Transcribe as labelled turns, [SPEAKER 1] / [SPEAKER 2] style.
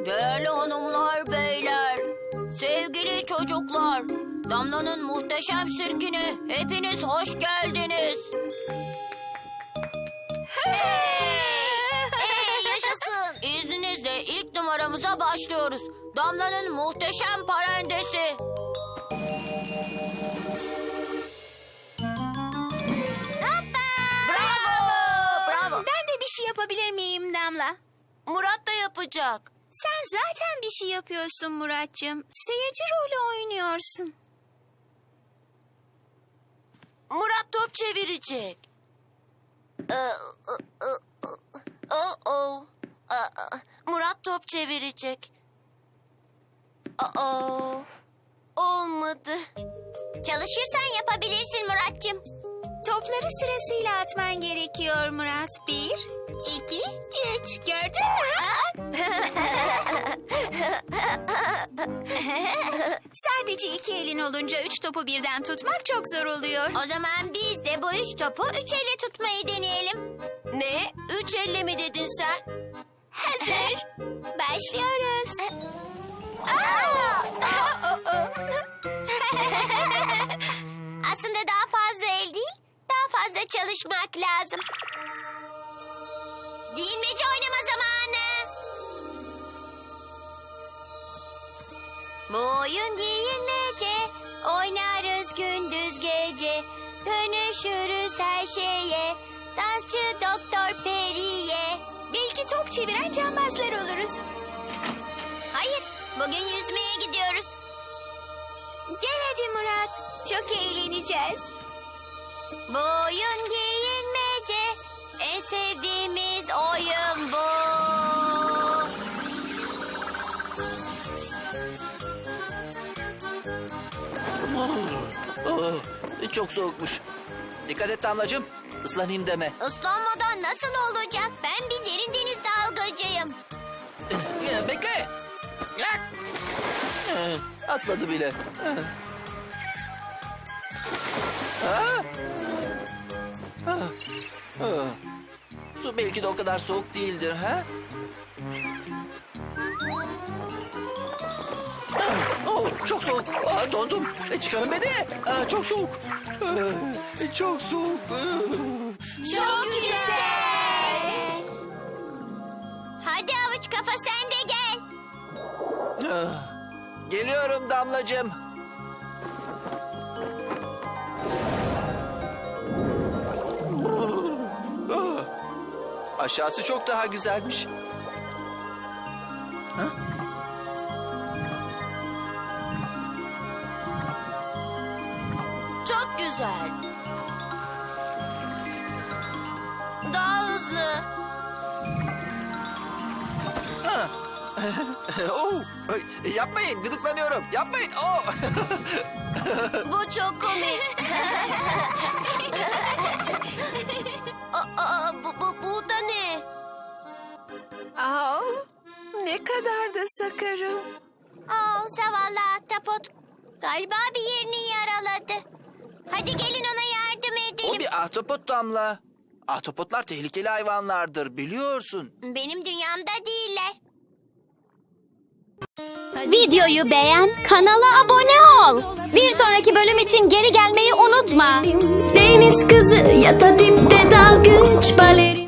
[SPEAKER 1] Değerli hanımlar, beyler, sevgili çocuklar, Damla'nın muhteşem sirkine hepiniz hoş geldiniz.
[SPEAKER 2] Yaşasın.
[SPEAKER 1] İzninizle ilk numaramıza başlıyoruz. Damla'nın muhteşem parendesi.
[SPEAKER 2] Bravo.
[SPEAKER 3] Ben de bir şey yapabilir miyim Damla?
[SPEAKER 2] Murat da yapacak.
[SPEAKER 3] Sen zaten bir şey yapıyorsun Muratcığım. Seyirci rolü oynuyorsun.
[SPEAKER 2] Murat top çevirecek. Murat top çevirecek. Olmadı.
[SPEAKER 1] Çalışırsan yapabilirsin Muratcığım.
[SPEAKER 3] Topları sırasıyla atman gerekiyor Murat. 1, 2, 3. Gördün mü? Sadece 2 elin olunca 3 topu birden tutmak çok zor oluyor.
[SPEAKER 1] O zaman biz de bu 3 topu 3 elle tutmayı deneyelim.
[SPEAKER 2] Ne? 3 elle mi dedin sen?
[SPEAKER 3] Hazır. Başlıyoruz.
[SPEAKER 1] Aslında daha fazla el değil, daha fazla çalışmak lazım. Giyinmece oynama zamanı. Bu oyun giyinmece, oynarız gündüz gece. Dönüşürüz her şeye, dansçı Doktor Peri'ye.
[SPEAKER 3] Belki top çeviren cambazlar oluruz.
[SPEAKER 1] Hayır, bugün yüzmeye gidiyoruz.
[SPEAKER 3] Gel hadi Murat. Çok eğleneceğiz.
[SPEAKER 1] Bu oyun giyinmece, en sevdiğimiz oyun bu.
[SPEAKER 4] Çok soğukmuş. Dikkat et Damlacığım. Islanayım deme.
[SPEAKER 1] Islanmadan nasıl olacak? Ben bir derin deniz dalgıcıyım.
[SPEAKER 4] Bekle. Atladı bile. Su belki de o kadar soğuk değildir, ha? Çok soğuk. Dondum. Çıkarın beni. Çok soğuk. Çok soğuk.
[SPEAKER 3] Çok güzel.
[SPEAKER 1] Hadi avuç kafa sen de gel.
[SPEAKER 4] Geliyorum Damlacığım. Aşağısı çok daha güzelmiş.
[SPEAKER 2] Çok güzel. Daha hızlı.
[SPEAKER 4] Yapmayın, gıdıklanıyorum. Yapmayın.
[SPEAKER 2] Bu çok komik. Bu da ne?
[SPEAKER 3] Ne kadar da sakarım.
[SPEAKER 1] Zavallı ahtapot. Galiba bir yerini yaraladı. Hadi gelin ona yardım
[SPEAKER 4] O
[SPEAKER 1] edelim.
[SPEAKER 4] bir ahtapot Damla. Ahtapotlar tehlikeli hayvanlardır, biliyorsun.
[SPEAKER 1] Benim dünyamda değiller.
[SPEAKER 5] Videoyu beğen, kanala abone ol. Bir sonraki bölüm için geri gelmeyi unutma.
[SPEAKER 6] Deniz kızı ya da dipte dalgıç baleri.